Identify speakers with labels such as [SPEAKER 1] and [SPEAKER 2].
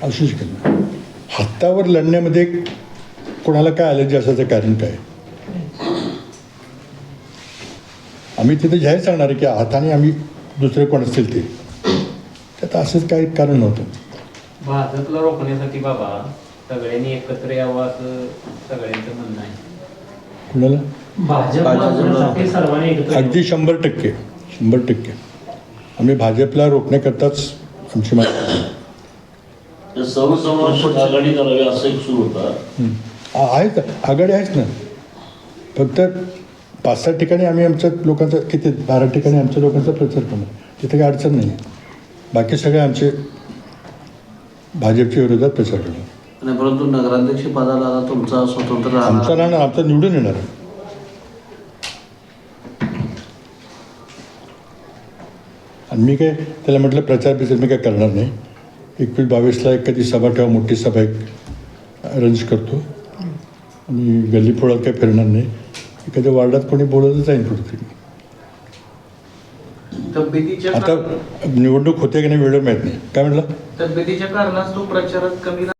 [SPEAKER 1] असू शकत नाही. हातावर लढण्यामध्ये कोणाला काय ॲलर्जी असायचं कारण काय? आम्ही तिथे जाहीर सांगणार आहे की हाताने आम्ही दुसरे कोण असतील ते, त्यात असंच काही कारण नव्हतं.
[SPEAKER 2] भाजपला रोखण्यासाठी बाबा सगळ्यांनी एकत्र यावं असं सगळ्यांचं म्हणणं आहे.
[SPEAKER 1] कुणाला?
[SPEAKER 2] भाजपसाठी सर्वांनी एकत्र
[SPEAKER 1] अगदी 100% आम्ही भाजपला रोखण्याकरताच आमची माहिती
[SPEAKER 3] सर्वसमावेशक आघाडी करावी असं एक सुरू होता.
[SPEAKER 1] आहेत आघाडी आहेच ना. फक्त 5-6 ठिकाणी आम्ही आमच्या लोकांचा, किती 12 ठिकाणी आमच्या लोकांचा प्रचार करणार, तिथे काही अडचण नाही. बाकी सगळे आमचे भाजपच्या विरोधात प्रचार करणार.
[SPEAKER 3] आणि परंतु नगराध्यक्ष पदाला आता तुमचा स्वतंत्र
[SPEAKER 1] आमचा राहणार, आमचा निवडून येणार. आणि मी काय त्याला म्हटलं प्रचार मी काय करणार नाही. 21-22ला एखादी सभा ठेवा, मोठी सभा एक अरेंज करतो आणि गल्ली फोडात काही फिरणार नाही. एखाद्या वार्डात कोणी बोलवलं जाईन कुठेतरी. आता निवडणूक होते की नाही वेळ माहीत नाही. काय म्हटलं?
[SPEAKER 4] तब्येतीच्या कारणास्तव प्रचारात कमी